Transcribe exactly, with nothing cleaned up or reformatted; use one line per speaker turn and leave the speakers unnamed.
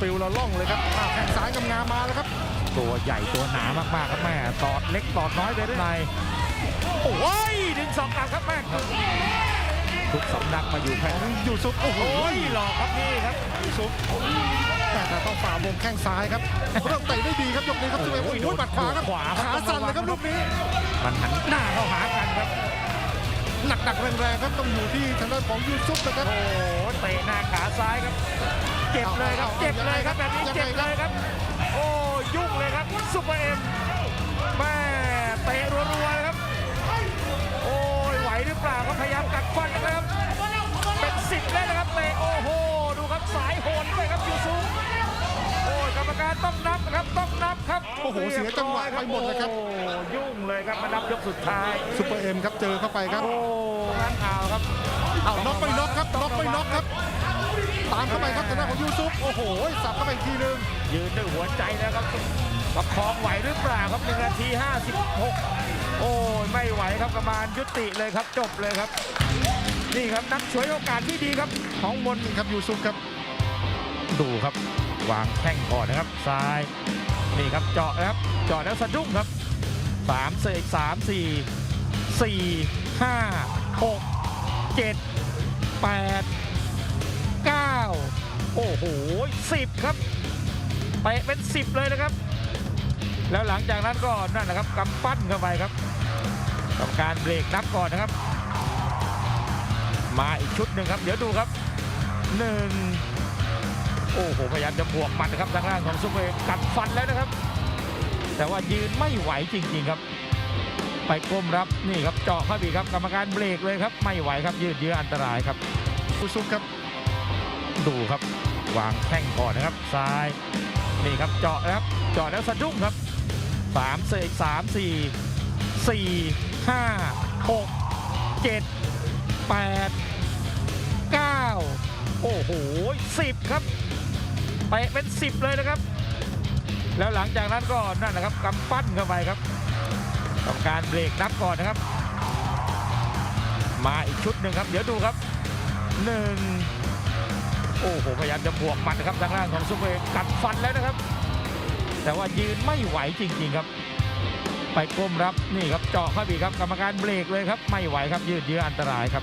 วิวละล่องเลยครับแข้งซ้ายงามๆมาแล้วครับ
ตัวใหญ่ตัวหนามากๆครับแม่ตอดเล็กตอดน้อยไปได้ไงโอ้ยดึงสองกลับครับแม่ทุกสำนักมาอยู่แค่
อยู่ซุปโอ้โห
หลอกครับนี่ครับ
ซุปแต่ต้องฝ่าวงแข้งซ้ายครับเริ่มเตะได้ดีครับยกนี้ครับซุปเอ็มโอ้ยบัดขวาครับขาสั่นเลยครับลูกนี้
มันหันหน้าเข้าหากันครับ
หนักๆแรงๆครับต้องอยู่ที่ทางด้านของยูซุปนะครับ
โอ้เตะหน้าขาซ้ายครับเจ็บเลยครับเจ็บเลยครับแบบนี้เจ็บเลยครับโอ้ยุ่งเลยครับซุปเปอร์เอ็มแม่เตะรัวๆเลยครับโอ้ยไหวหรือเปล่าครับพยายามกัดฟันนะครับเป็นสิบเลยนะครับเตะโอ้โหดูครับสายโหนด้วยครับยูซุปโอ้ยกรรมการต้องนับนะครับต้องนับครับ
โอ้โหเสียจังหวะไปหมดเลยครับ
ยุ่งเลยครับมานับยกสุดท้าย
ซุปเปอร์เอ็มครับเจอเข้าไปครับ
โอ้งั้นเอาครับ
เอาน็อกไปน็อกครับน็อกไปน็อกครับตามเข้าไปครับทางด้านของยูซุปโอ้โหสับเข้าไปอีกทีนึง
ยืนด้วยหัวใจนะครับประคองไหวหรือเปล่าครับหนึ่งนาทีห้าสิบหกโอ้ยไม่ไหวครับกรรมการยุติเลยครับจบเลยครับนี่ครับนักฉวยโอกาสที่ดีครับของมน
ครับยูซุปครับ
ดูครับวางแข้งก่อนนะครับซ้ายนี่ครับเจาะนะครับเจาะแล้วสะดุ้งครับสามเสกสามสี่สี่ห้าหกเจ็ดแปดเก้าโอ้โหสิบครับไปเป็นสิบเลยนะครับแล้วหลังจากนั้นก็นั่นนะครับกำปั้นเข้าไปครับกรรมการเบรกนับก่อนนะครับมาอีกชุดหนึ่งครับเดี๋ยวดูครับหนึ่งโอ้โหพยายามจะบวกหมัดนะครับทางด้านของซุปเปอร์กัดฟันแล้วนะครับแต่ว่ายืนไม่ไหวจริงๆครับไปก้มรับนี่ครับเจาะเข้าไปครับกรรมการเบรกเลยครับไม่ไหวครับยืดเยื้ออันตรายครับ
ยูซุปครับ
ดูครับวางแข้งก่อนนะครับซ้ายนี่ครับเจาะนะครับเจาะแล้วสะดุ้งครับสามเสกสามสี่สี่ห้าหกเจ็ดแปดเก้าโอ้โหสิบครับไปเป็นสิบเลยนะครับแล้วหลังจากนั้นก็นั่นนะครับกำปั้นเข้าไปครับกรรมการเบรกนับก่อนนะครับมาอีกชุดหนึ่งครับเดี๋ยวดูครับหนึ่งโอ้โหพยายามจะบวกหมัดนะครับทางด้านของซุปเปอร์กัดฟันแล้วนะครับแต่ว่ายืนไม่ไหวจริงๆครับไปก้มรับนี่ครับเจาะเข้าไปครับกรรมการเบรกเลยครับไม่ไหวครับยืดเยื้ออันตรายครับ